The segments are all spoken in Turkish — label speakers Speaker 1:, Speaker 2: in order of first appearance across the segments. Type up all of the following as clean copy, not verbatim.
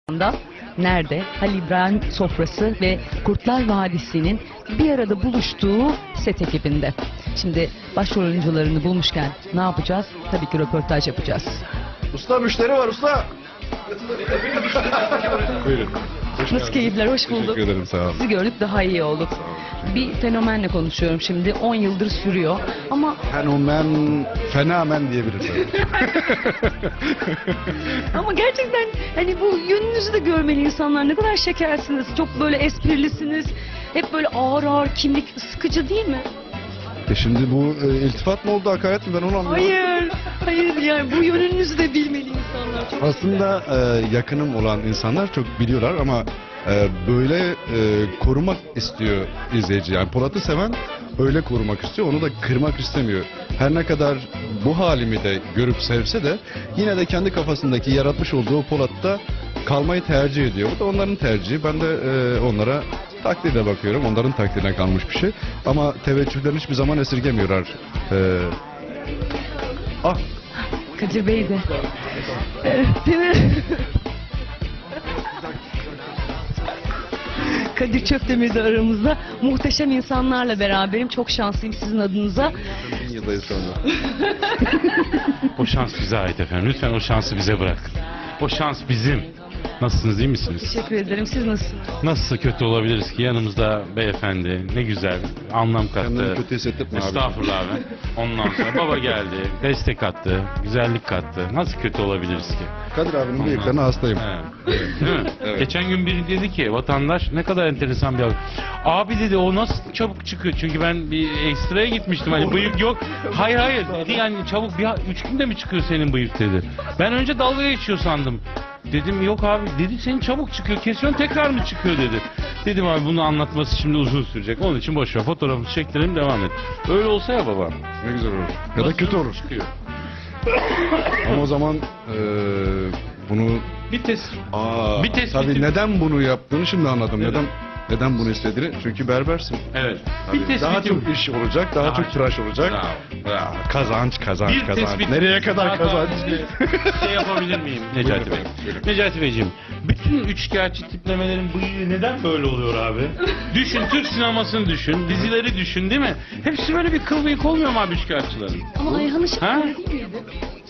Speaker 1: anda nerede? Halil İbrahim sofrası ve Kurtlar Vadisi'nin bir arada buluştuğu set ekibinde. Şimdi başrol oyuncularını bulmuşken ne yapacağız? Tabii ki röportaj yapacağız.
Speaker 2: Usta müşteri var usta. Buyurun.
Speaker 1: Nasıl keyifler? Hoş bulduk.
Speaker 2: Teşekkür ederim, sağ olun.
Speaker 1: Sizi gördük, daha iyi olduk. Bir fenomenle konuşuyorum şimdi. 10 yıldır sürüyor ama
Speaker 2: Fenomen diyebiliriz.
Speaker 1: ama gerçekten hani bu yönünüzü de görmeli insanlar. Ne kadar şekersiniz. Çok böyle esprilisiniz. Hep böyle ağır ağır kimlik, sıkıcı değil mi?
Speaker 2: Şimdi bu iltifat mı oldu, hakaret mi, ben onu anlamadım.
Speaker 1: Hayır yani bu yönünüzü de bilmeli insanlar. Çok
Speaker 2: Aslında yakınım olan insanlar çok biliyorlar ama böyle korumak istiyor izleyici. Yani Polat'ı seven öyle korumak istiyor, onu da kırmak istemiyor. Her ne kadar bu halimi de görüp sevse de yine de kendi kafasındaki yaratmış olduğu Polat'ta kalmayı tercih ediyor. Bu da onların tercihi. Ben de onlara takdirle bakıyorum. Onların takdirine kalmış bir şey. Ama teveccühlerini hiçbir zaman esirgemiyorlar.
Speaker 1: Kadir Bey de. Değil mi? Kadir Çöptemir de aramızda. Muhteşem insanlarla beraberim. Çok şanslıyım sizin adınıza.
Speaker 2: 1000 yıldayız sonra.
Speaker 3: O şans bize ait efendim. Lütfen o şansı bize bırakın. O şans bizim. Nasılsınız, iyi misiniz?
Speaker 1: Teşekkür ederim. Siz nasılsınız?
Speaker 3: Nasıl kötü olabiliriz ki? Yanımızda beyefendi. Ne güzel. Anlam
Speaker 2: Kendini
Speaker 3: kattı.
Speaker 2: kötü hissettirme abi.
Speaker 3: Estağfurullah abi. Ondan sonra baba geldi. Destek attı. Güzellik kattı. Nasıl kötü olabiliriz ki?
Speaker 2: Kadir abinin bıyıklarına hastayım.
Speaker 3: Evet. Değil mi?
Speaker 2: Evet.
Speaker 3: Geçen gün biri dedi ki vatandaş ne kadar enteresan bir abi. Abi dedi o nasıl çabuk çıkıyor? Çünkü ben bir ekstraya gitmiştim. Hani bıyık yok. Hayır dedi yani çabuk 3 günde mi çıkıyor senin bıyık dedi. Ben önce dalga geçiyor sandım. Dedim yok abi dedi senin çabuk çıkıyor kesiyorsun tekrar mı çıkıyor dedi. Dedim abi bunu anlatması şimdi uzun sürecek. Onun için boş ver fotoğrafı çektirelim devam et. Öyle olsa ya baba.
Speaker 2: Ne güzel olur. Ya da kötü olur.
Speaker 3: Çıkıyor.
Speaker 2: Ama o zaman bunu...
Speaker 3: Bir test.
Speaker 2: Bir
Speaker 3: tespiti-
Speaker 2: Tabii neden bunu yaptığını şimdi anladım. Neden bunu istediğini? Çünkü berbersin.
Speaker 3: Evet.
Speaker 2: Tabii daha çok iş olacak, daha çok tıraş olacak.
Speaker 3: Bravo.
Speaker 2: Kazanç.
Speaker 3: Bir tespit.
Speaker 2: Nereye kadar kazanç?
Speaker 3: Şey yapabilir miyim Necati Bey?
Speaker 2: Buyurun.
Speaker 3: Necati Beyciğim, bütün üçkağıtçı tiplemelerin bıyığı neden böyle oluyor abi? Düşün, Türk sinemasını düşün, dizileri düşün değil mi? Hepsi böyle bir kıl bıyık olmuyor mu abi üçkağıtçıların?
Speaker 1: Ama Ayhan Işık
Speaker 3: Ha?
Speaker 1: öyle değil miydi?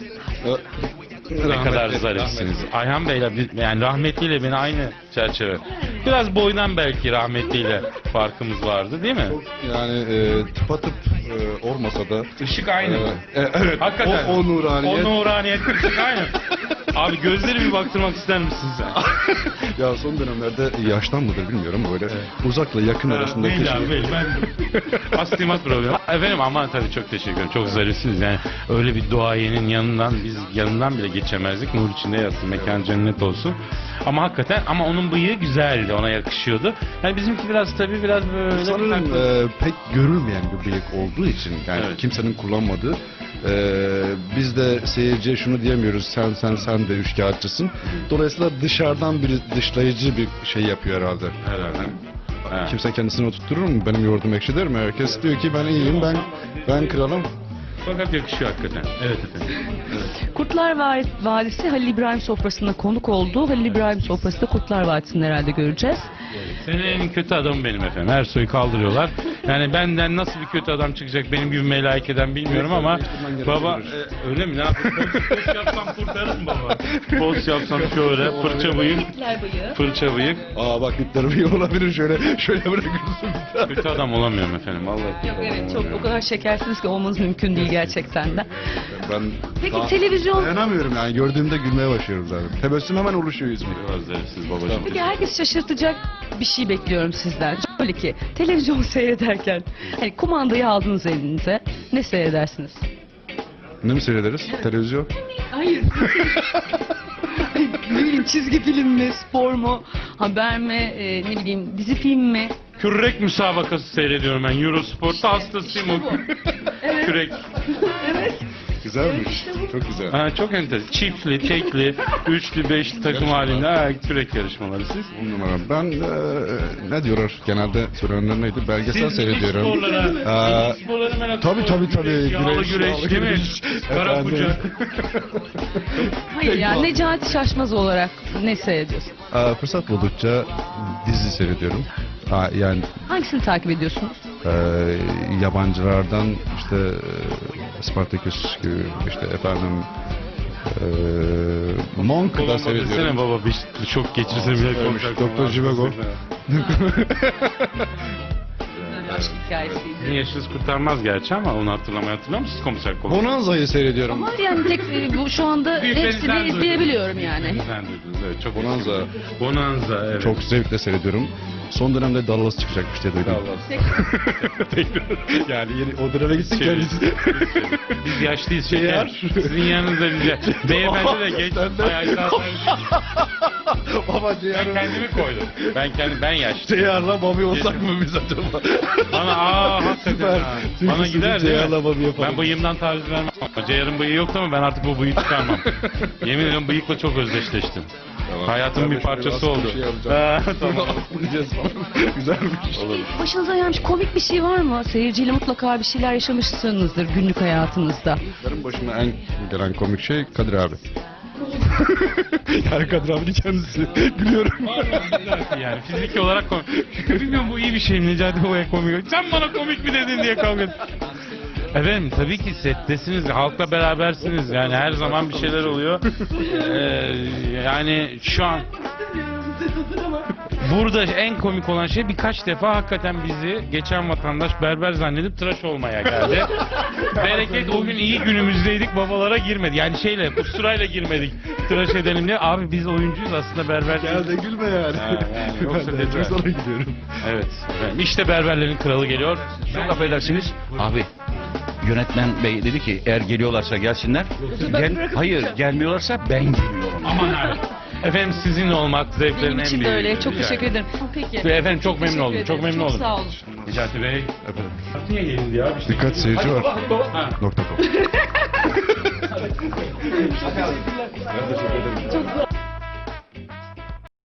Speaker 3: Ne kadar zarifsiniz. Ayhan Bey'le yani rahmetliyle beni aynı çerçeve. Biraz boydan belki rahmetliyle farkımız vardı değil mi?
Speaker 2: Yani tıpatıp olmasa da...
Speaker 3: Işık aynı mı?
Speaker 2: Evet.
Speaker 3: Hakikaten.
Speaker 2: O nuraniyet.
Speaker 3: O nuraniyet ışık aynı. Abi gözleri bir baktırmak ister misin sen?
Speaker 2: Ya son dönemlerde yaştan mıdır bilmiyorum böyle uzakla yakın arasındaki
Speaker 3: Belli
Speaker 2: şey.
Speaker 3: abi belli. Ben astigmat problemi. Efendim aman tabii çok teşekkür ederim. Çok zarifsiniz yani. Öyle bir duayenin yanından biz yanından bile geçemezdik. Nur içinde yatsın. Mekan cennet olsun. Ama hakikaten ama onun bıyığı güzeldi. Ona yakışıyordu. Yani bizimki biraz tabii biraz böyle.
Speaker 2: Sanırım pek görülmeyen bir bıyık olduğu için yani
Speaker 3: Evet.
Speaker 2: kimsenin kullanmadığı biz de seyirciye şunu diyemiyoruz sen de üçkağıtçısın. Dolayısıyla dışarıdan bir dışlayıcı bir şey yapıyor herhalde.
Speaker 3: Herhalde. Ha.
Speaker 2: Kimse kendisini oturtturur mu? Benim yoğurdum ekşi der mi? Herkes diyor ki ben iyiyim, ben kralım.
Speaker 3: Fakat yakışıyor hakikaten. Evet efendim.
Speaker 1: Kurtlar Vadisi Halil İbrahim sofrasında konuk oldu. Halil İbrahim sofrasında Kurtlar Vadisi'ni herhalde göreceğiz.
Speaker 3: Senin en kötü adamım benim efendim. Ersoy'u kaldırıyorlar. Yani benden nasıl bir kötü adam çıkacak benim gibi melaikeden bilmiyorum ama baba öyle mi? Ne yapayım? Post yapsam kurtarır mı baba? Post yapsam şöyle fırça bıyık. Fırça bıyık.
Speaker 2: Bak ipleri bir olabilir şöyle bırakırsın.
Speaker 3: Kötü adam olamıyorum efendim vallahi.
Speaker 1: Yok evet çok o kadar şekersiniz ki olmanız mümkün değil gerçekten de.
Speaker 2: Ben
Speaker 1: Peki
Speaker 2: daha
Speaker 1: televizyon...
Speaker 2: dayanamıyorum yani gördüğümde gülmeye başlıyorum zaten. Tebessüm hemen oluşuyor yüzümde.
Speaker 3: Özlersiz babacığım.
Speaker 1: Peki herkes şaşırtacak bir şey bekliyorum sizden. Şöyle ki televizyon seyrederken hani kumandayı aldınız elinize ne seyredersiniz?
Speaker 2: Ne mi seyrederiz? Televizyon.
Speaker 1: Hayır. Ne bileyim çizgi film mi, spor mu, haber mi, ne bileyim dizi film mi?
Speaker 3: Kürek müsabakası seyrediyorum ben. Eurosport'ta hastasıyım o.
Speaker 1: Evet.
Speaker 3: Kürek.
Speaker 1: Evet.
Speaker 2: Güzelmiş. Çok güzel.
Speaker 3: Ha, çok enteresan. Çiftli, tekli, üçlü, beşli takım halinde kürek yarışmaları siz.
Speaker 2: 10 numara. Ben ne diyorlar genelde söylenenler neydi? Belgesel seyrediyorum.
Speaker 3: Sporlara, sporlara merak
Speaker 2: Tabii.
Speaker 3: Yağlı güreş değil mi? Kara
Speaker 2: Efendim.
Speaker 3: kucak.
Speaker 1: Hayır yani Necati Şaşmaz olarak ne seyrediyorsun?
Speaker 2: Fırsat buldukça dizi seyrediyorum. Yani
Speaker 1: Hangisini takip ediyorsunuz?
Speaker 2: yabancılardan işte Spartacus gibi işte efendim Monk da
Speaker 3: Kolombo desene
Speaker 2: seyrediyorum.
Speaker 3: baba bir çok geçirse bile
Speaker 2: Söylemiş,
Speaker 3: konuşacak.
Speaker 2: Dr. Jivago.
Speaker 1: Aşk hikayesiydi.
Speaker 3: Sizin yaşınız kurtarmaz gerçi ama onu hatırlamıyor musunuz komiser Kolombo?
Speaker 2: Bonanza'yı seyrediyorum.
Speaker 1: Ama yani tek bu şu anda
Speaker 3: Büyüklerinizden
Speaker 1: hepsini izleyebiliyorum yani.
Speaker 3: Sen duydunuz evet çok
Speaker 2: Bonanza.
Speaker 3: Bonanza evet.
Speaker 2: Çok zevkle seyrediyorum. Son dönemde Dallas çıkacakmış diye duydum. Yani yeni o döneme gitsin kendisi.
Speaker 3: Biz yaşlıyız şeker. Sizin yanınızda bize. Beyefendi de geç. Ay,
Speaker 2: Baba
Speaker 3: ben kendimi koydum. Ben yaşlı.
Speaker 2: Ceyar'la Bobby olsak mı biz acaba?
Speaker 3: Bana hakikaten
Speaker 2: Süper.
Speaker 3: ha.
Speaker 2: Çünkü
Speaker 3: Bana
Speaker 2: sizin
Speaker 3: gider değil
Speaker 2: Ceyar'la
Speaker 3: mi?
Speaker 2: Bobby yapalım.
Speaker 3: Ben bıyığımdan taviz vermem. Ceyar'ın bıyığı yoktu ama ben artık bu bıyığı çıkarmam. Yemin ediyorum bıyıkla çok özdeşleştim. Hayatımın bir parçası oldu. Tamam.
Speaker 2: Güzelmiş.
Speaker 3: Olur.
Speaker 1: Başınıza gelmiş komik bir şey var mı? Seyirciyle mutlaka bir şeyler yaşamışsınızdır günlük hayatınızda.
Speaker 2: Benim başıma en gelen komik şey Kadir abi. Yani Kadir abinin kendisi. Gülüyorum.
Speaker 3: Yani fiziki olarak komik. Bilmiyorum bu iyi bir şey mi Necati Baba'ya komik. Sen bana komik mi dedin diye kavga et. Efendim tabii ki settesiniz, halkla berabersiniz yani her zaman bir şeyler oluyor. Yani şu an burada en komik olan şey birkaç defa hakikaten bizi geçen vatandaş berber zannedip tıraş olmaya geldi. Bereket o gün iyi günümüzdeydik babalara girmedi. Yani usturayla girmedik tıraş edelim diye. Abi biz oyuncuyuz aslında berber
Speaker 2: Gel de gülme yani.
Speaker 3: yani yoksa
Speaker 2: Ben de
Speaker 3: dediler.
Speaker 2: çok sana gidiyorum.
Speaker 3: Evet. Efendim, işte berberlerin kralı geliyor.
Speaker 4: Çok affedersiniz. Abi yönetmen bey dedi ki eğer geliyorlarsa gelsinler. Hayır gelmiyorlarsa ben geliyorum.
Speaker 3: Aman abi. Efendim sizinle olmak zevklerin
Speaker 1: Benim
Speaker 3: en
Speaker 1: için
Speaker 3: büyüğü.
Speaker 1: de öyle. Çok
Speaker 3: Rica
Speaker 1: teşekkür ederim. Peki.
Speaker 3: Ve efendim çok memnun oldum.
Speaker 1: Teşekkür
Speaker 3: Çok
Speaker 1: ederim.
Speaker 3: memnun oldum.
Speaker 1: Çok sağ olun.
Speaker 3: Necati Bey.
Speaker 2: Efendim.
Speaker 3: Niye gelindi ya? İşte
Speaker 2: Dikkat seyirci var.
Speaker 3: Ha.
Speaker 2: .com.